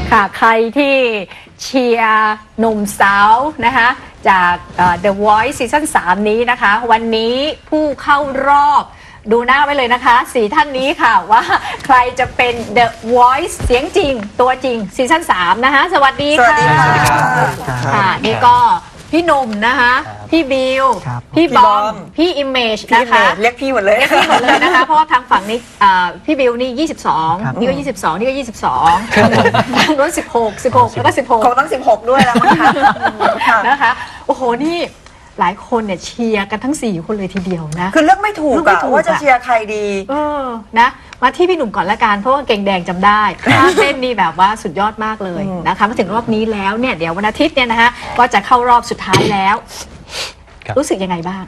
ค่ะใครที่เชียร์หนุ่มสาวนะคะจาก The Voice ซีซั่น3นี้นะคะวันนี้ผู้เข้ารอบดูหน้าไว้เลยนะคะ4ท่านนี้ค่ะว่าใครจะเป็น The Voice เสียงจริงตัวจริงซีซั่น3นะคะสวัสดีค่ะสวัสดีครับค่ะนี่ก็พี่หนุ่มนะคะพี่บิวพี่บอมพี่อิมเมจนะคะเรียกพี่หมดเลยเรียกพี่หมดเลยนะคะเพราะว่าทางฝั่งนี้พี่บิวนี่22นี่ก็22นี่ก็22ทางโน้น16แล้วก็16 คงต้อง16ด้วยแล้วมั้งคะนะคะโอ้โหนี่หลายคนเนี่ยเชียร์กันทั้ง4คนเลยทีเดียวนะคือเลือกไม่ถูกอะว่าจะเชียร์ใครดีนะมาที่พี่หนุ่มก่อนละกันเพราะว่าเก่งแดงจำได้ท่าเต้นนี่แบบว่าสุดยอดมากเลยนะคะมาถึงรอบนี้แล้วเนี่ยเดี๋ยววันอาทิตย์เนี่ยนะคะก็จะเข้ารอบสุดท้ายแล้วรู้สึกยังไงบ้าง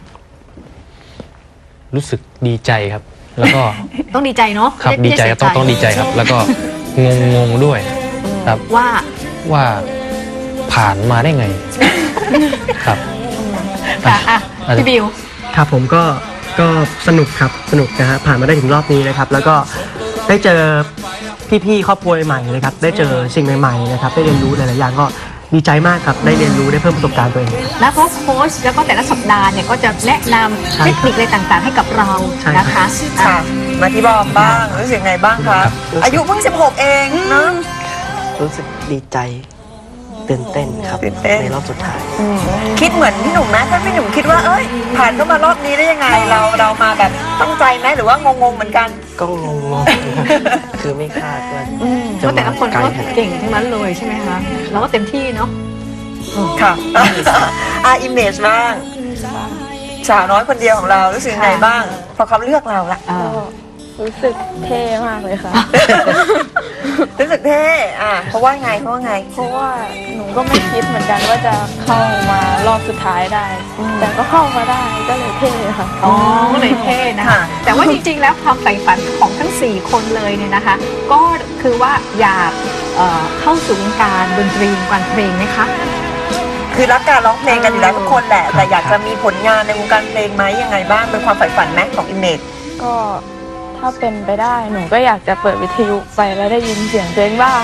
รู้สึกดีใจครับแล้วก็ต้องดีใจเนาะครับดีใจต้องดีใจครับแล้วก็งงด้วยครับว่าผ่านมาได้ไงครับค่ะพี่บิวครับผมก็สนุกครับสนุกนะฮะผ่านมาได้ถึงรอบนี้นะครับแล้วก็ได้เจอพี่ๆครอบครัวใหม่นะครับได้เจอสิ่งใหม่ๆนะครับได้เรียนรู้หลายๆอย่างก็ดีใจมากครับได้เรียนรู้ได้เพิ่มประสบการณ์ตัวเองแล้วโค้ชแล้วก็แต่ละสัปดาห์เนี่ยก็จะแนะนำเทคนิคอะไรต่างๆให้กับเรานะคะค่ะมาที่บอมบ้างรู้สึกไงบ้างคะอายุเพิ่ง16เองเนาะรู้สึกดีใจตื่นเต้นครับในรอบสุดท้ายคิดเหมือนพี่หนุ่มไหมถ้าพี่หนุ่มคิดว่าเอ้ยผ่านเข้ามารอบนี้ได้ยังไงเรามาแบบตั้งใจไหมหรือว่างงๆเหมือนกันก็งงคือไม่คาดว่าเพราะแต่ละคนก็เก่งทั้งนั้นเลยใช่ไหมคะเราก็เต็มที่เนาะค่ะอิมเมจบ้างสาวน้อยคนเดียวของเรารู้สึกไงบ้างพอเขาเลือกเราละรู้สึกเท่มากเลยค่ะรู้สึกเท่เพราะว่าไงเพราะว่าหนูก็ไม่คิดเหมือนกันว่าจะเข้ามารอบสุดท้ายได้แต่ก็เข้ามาได้ก็เลยเท่ค่ะก็เลยเท่นะคะแต่ว่าจริงๆแล้วความใฝ่ฝันของทั้ง4คนเลยเนี่ยนะคะก็คือว่าอยากเข้าสู่วงการดนตรีวงการเพลงไหมคะคือรักการร้องเพลงกันอยู่แล้วทุกคนแหละแต่อยากจะมีผลงานในวงการเพลงไหมยังไงบ้างเป็นความใฝ่ฝันไหมของอิมเมจก็ถ้าเป็นไปได้หนูก็อยากจะเปิดวิทยุไปแล้วได้ยินเสียงเพลงบ้าง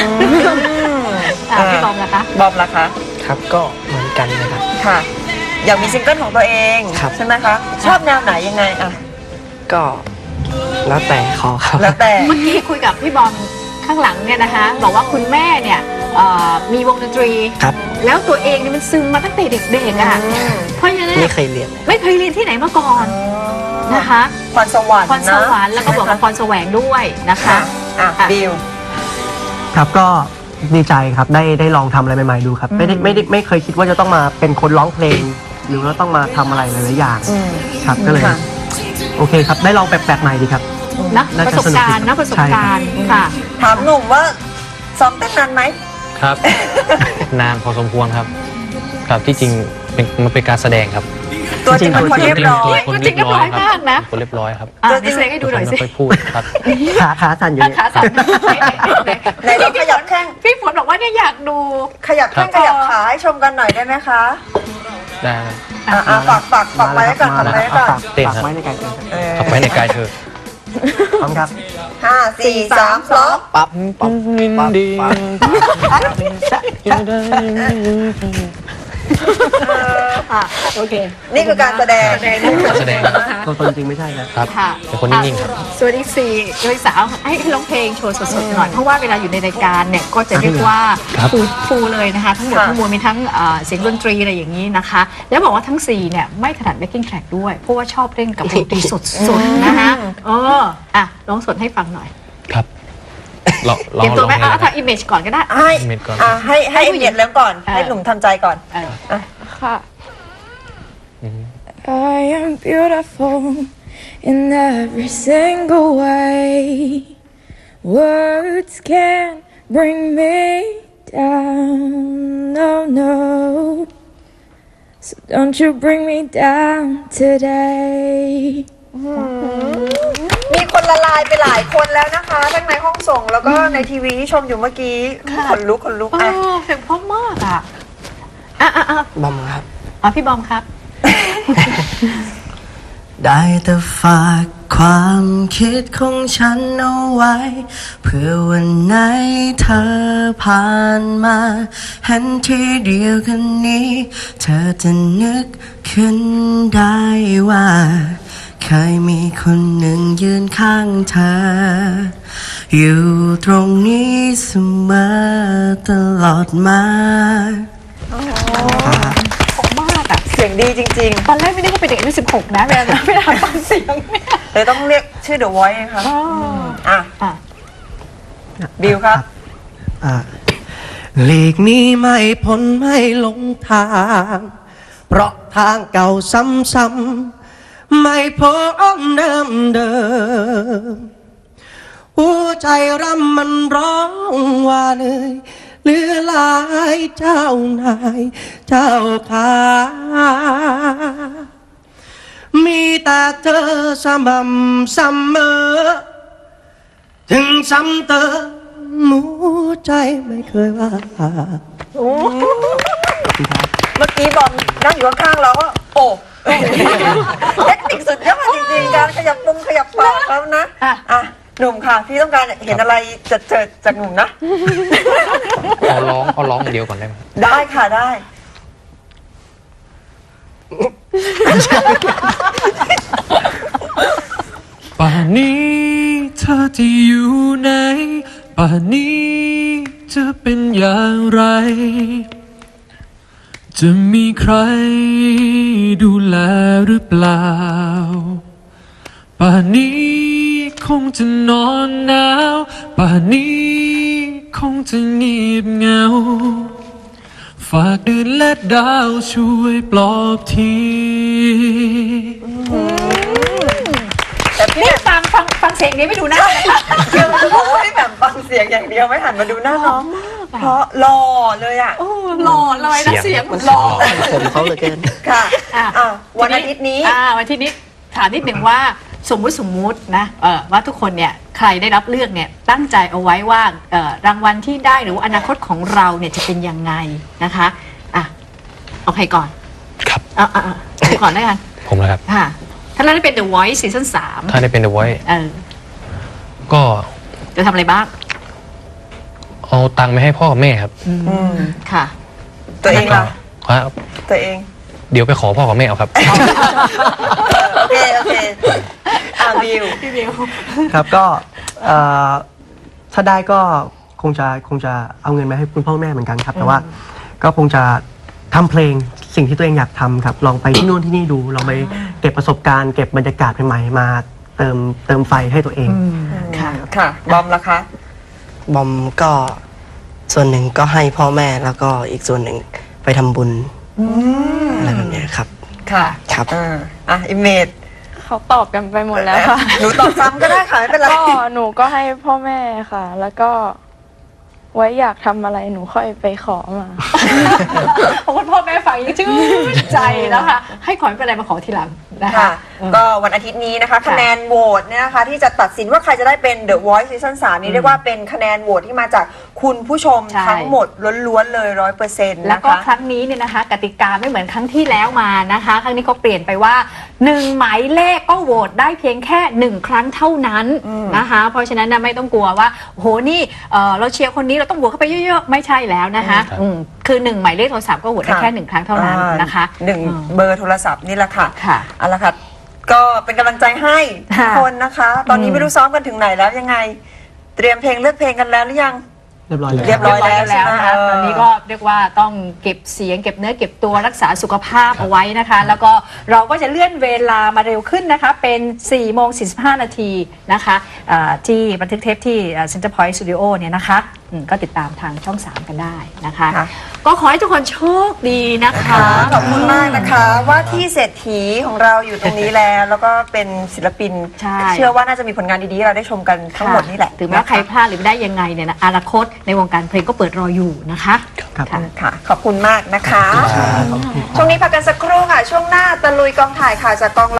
พี่บอมล่ะคะครับก็เหมือนกันนะครับค่ะอยากมีซิงเกิลของตัวเองใช่ไหมคะชอบแนวไหนยังไงก็แล้วแต่เขาครับแล้วแต่เมื่อกี้คุยกับพี่บอมข้างหลังเนี่ยนะคะบอกว่าคุณแม่เนี่ยมีวงดนตรีแล้วตัวเองเนี่ยมันซึมมาตั้งแต่เด็กๆอ่ะเพราะฉะนั้นไม่เคยเรียนที่ไหนมาก่อนนะคะพรสวรรค์แล้วก็บอกกับพรแสวงด้วยนะคะบิวครับก็ดีใจครับได้ลองทำอะไรใหม่ๆดูครับไม่เคยคิดว่าจะต้องมาเป็นคนร้องเพลงหรือว่าต้องมาทำอะไรหลายๆอย่างครับก็เลยโอเคครับได้ลองแปลกๆใหม่ดีครับนะประสบการณ์ค่ะถามหนุ่มว่าซ้อมเต้นนานไหมครับนานพอสมควรครับครับที่จริงมันเป็นการแสดงครับตัวจริงเป็นคนเรียบร้อยตัวจริงเรียบร้อยมากนะคนเรียบร้อยครับตัวจริงให้ดูหน่อยสิไม่พูดครับขาสั่นอยู่ขาสั่นไหนเราขยับแข้งพี่ฝนบอกว่าเนี่ยอยากดูขยับแข้งขยับขาให้ชมกันหน่อยได้ไหมคะได้ฝากไว้ก่อนเต้นครับไว้ในกายเธอไว้ในกายเธอพร้อมครับ 5 4 3 2 ปั๊บดีโอเคนี่คือการแสดงตัวจริงไม่ใช่ครับเป็นคนนิ่งๆครับส่วนอีก4โดยสาวให้ร้องเพลงโชว์สดๆหน่อยเพราะว่าเวลาอยู่ในรายการเนี่ยก็จะเรียกว่าฟูเลยนะคะทั้งหมดทั้งมวลมีทั้งเสียงดนตรีอะไรอย่างนี้นะคะแล้วบอกว่าทั้ง4เนี่ยไม่ถนัด backing track ด้วยเพราะว่าชอบเล่นกับดนตรีสดๆนะคะร้องสดให้ฟังหน่อยครับเตรียมตัวไหมถ้าอิมเมจก่อนก็ได้ให้อิมเมจแล้วก่อนให้หนุ่มทำใจก่อนค่ะ I am beautiful in every single way words can't bring me down no no so don't you bring me down today มีคนละลายไปหลายคนแล้วนะคะทั้งในห้องส่งแล้วก็ในทีวีที่ชมอยู่เมื่อกี้คนลุกเสียงเพราะมากบอมครับพี่บอมครับได้แต่ฝากความคิดของฉันเอาไว้เพื่อวันไหนเธอผ่านมาเห็นทีเดียวกันนี้เธอจะนึกขึ้นได้ว่าเคยมีคนหนึ่งยืนข้างเธออยู่ตรงนี้เสมอตลอดมาผมมากอ่ะเสียงดีจริงตอนแรกไม่ได้ว่าเป็นเด็กอายุ16 นะเวลาฟังเสียงเนี่ยๆเลยต้องเรียกชื่อ The Voice นะคะอ่ะอ่ะบิวครับหลีกหนี้ไม่พ้นไม่หลงทาง เพราะทางเก่าซ้ำๆไม่พบเดิมหัวใจรำมันร้องว่าเหนื่อยเหลือหลายเจ้านายเจ้าขามีแต่เธอสม่ำเสมอถึงซ้ำเติมหัวใจไม่เคยว่าเมื่อกี้บอมนั่งอยู่ข้างๆเราก็โอ้เทคนิคสุดยอดจริงๆการขยับขยับปากแล้วนะอ่ะหนุ่มค่ะพี่ต้องการเห็นอะไรจะเจอจากหนุ่มนะเอาร้องอย่างเดียวก่อนได้ไหมได้ค่ะได้ป่านนี้เธอจะอยู่ไหนป่านนี้จะเป็นอย่างไร จะมีใครดูแลหรือเปล่าป่านนี้คงจะนอนหนาวป่านนี้คงจะเงียบเหงาฝากเดือนและดาวช่วยปลอบทีแต่พี่นี่ฟังเสียงนี้ไม่ดูหน้านะคะเดี๋ยวจะบอกว่าให้แบบฟังเสียงอย่างเดียวไม่หันมาดูหน้าน้องเพราะหล่อเลยอ่ะหล่อเลยนะเสียงเหมือนหล่อผมเขาเหลือเกินค่ะอ่ะวันอาทิตย์นี้วันอาทิตย์นี้ถามนิดหนึ่งว่าสมมุตินะว่าทุกคนเนี่ยใครได้รับเลือกเนี่ยตั้งใจเอาไว้ว่ารางวัลที่ได้หรือว่าอนาคตของเราเนี่ยจะเป็นยังไงนะคะอ่ะเอาใครก่อนครับใครก่อนได้กันผมนะครับค่ะถ้าเราได้เป็น The Voice ซีซั่นถ้าได้เป็น The Voice 3 ก็จะทำอะไรบ้างเอาตังค์ไปให้พ่อกับแม่ครับค่ะตัวเองล่ะครับตัวเองเดี๋ยวไปขอพ่อกับแม่เอาครับโอเคบิวครับก็ถ้าได้ก็คงจะเอาเงินมาให้คุณพ่อแม่เหมือนกันครับ แต่ว่าก็คงจะทำเพลงสิ่งที่ตัวเองอยากทำครับลองไปที่นู่นที่นี่ดูลองไปเก็บประสบการณ์เก็บบรรยากาศใหม่ๆมาเติมไฟให้ตัวเองค่ะบอมล่ะคะบอมก็ส่วนหนึ่งก็ให้พ่อแม่แล้วก็อีกส่วนหนึ่งไปทำบุญอะไรแบบเนี้ยครับค่ะครับอิมเมจเขาตอบกันไปหมดแล้วค่ะหนูตอบซ้ำก็ได้ค่ะไม่เป็นไรก็หนูก็ให้พ่อแม่ค่ะ แล้วก็ไว้อยากทำอะไรหนูค่อยไปขอมาเพราะว่าพ่อแม่ฟังยังชื่นใจนะคะ ให้ขอไม่เป็นไรมาขอทีหลังนะคะค่ะ ก็วันอาทิตย์นี้นะคะคะแนนโหวตเนี่ยนะคะที่จะตัดสินว่าใครจะได้เป็น The Voice Season 3 นี้เรียกว่าเป็นคะแนนโหวตที่มาจากคุณผู้ชมใช่ทั้งหมดล้วนๆเลย 100% แล้วนะก็คะครั้งนี้เนี่ยนะคะ กติกาไม่เหมือนครั้งที่แล้วมานะคะ ครั้งนี้เขาเปลี่ยนไปว่า1หมายเลขก็โหวตได้เพียงแค่1ครั้งเท่านั้นนะคะ เพราะฉะนั้นนะไม่ต้องกลัวว่าโอ้โหนี่เราเชียร์คนนี้เราต้องโหวตเข้าไปเยอะๆไม่ใช่แล้วนะคะคือ1หมายเลขโทรศัพท์ก็โหวตได้แค่1ครั้งเท่านั้นนะคะหนึ่งเบอร์โทรศัพท์นี่แหละค่ะค่ะเอาละค่ะ ก็เป็นกำลังใจให้ทุกค่ะคนนะคะ ตอนนี้ไม่รู้ซ้อมกันถึงไหนแล้วยังไง เตรียมเพลงเลือกเพลงกันแล้วหรือยังเรียบร้อยแล้วเรียบร้อยแล้วใช่ไหมนะคะตอนนี้ก็เรียกว่าต้องเก็บเสียงเก็บเนื้อเก็บตัวรักษาสุขภาพเอาไว้นะคะ แล้วก็เราก็จะเลื่อนเวลามาเร็วขึ้นนะคะ เป็น 4 โมง 45 นาทีนะคะที่บันทึกเทปที่ Center Point Studio เนี่ยนะคะก็ติดตามทางช่อง 3 กันได้นะคะค่ะก็ขอให้ทุกคนโชคดีนะคะขอบคุณมากนะคะ ว่าที่เศรษฐีของเราอยู่ตรงนี้แล้ว แล้วก็เป็นศิลปินใช่เชื่อว่าน่าจะมีผลงานดีๆให้เราได้ชมกันทั้งหมดนี่แหละถึงแม้ว่าใครพลาดหรือไม่ได้ยังไงเนี่ยนะอนาคตในวงการเพลงก็เปิดรออยู่นะคะครับค่ะค่ะ ขอบคุณมากนะคะ ช่วงนี้พักกันสักครู่ค่ะ ช่วงหน้าตะลุยกองถ่ายค่ะจากกอง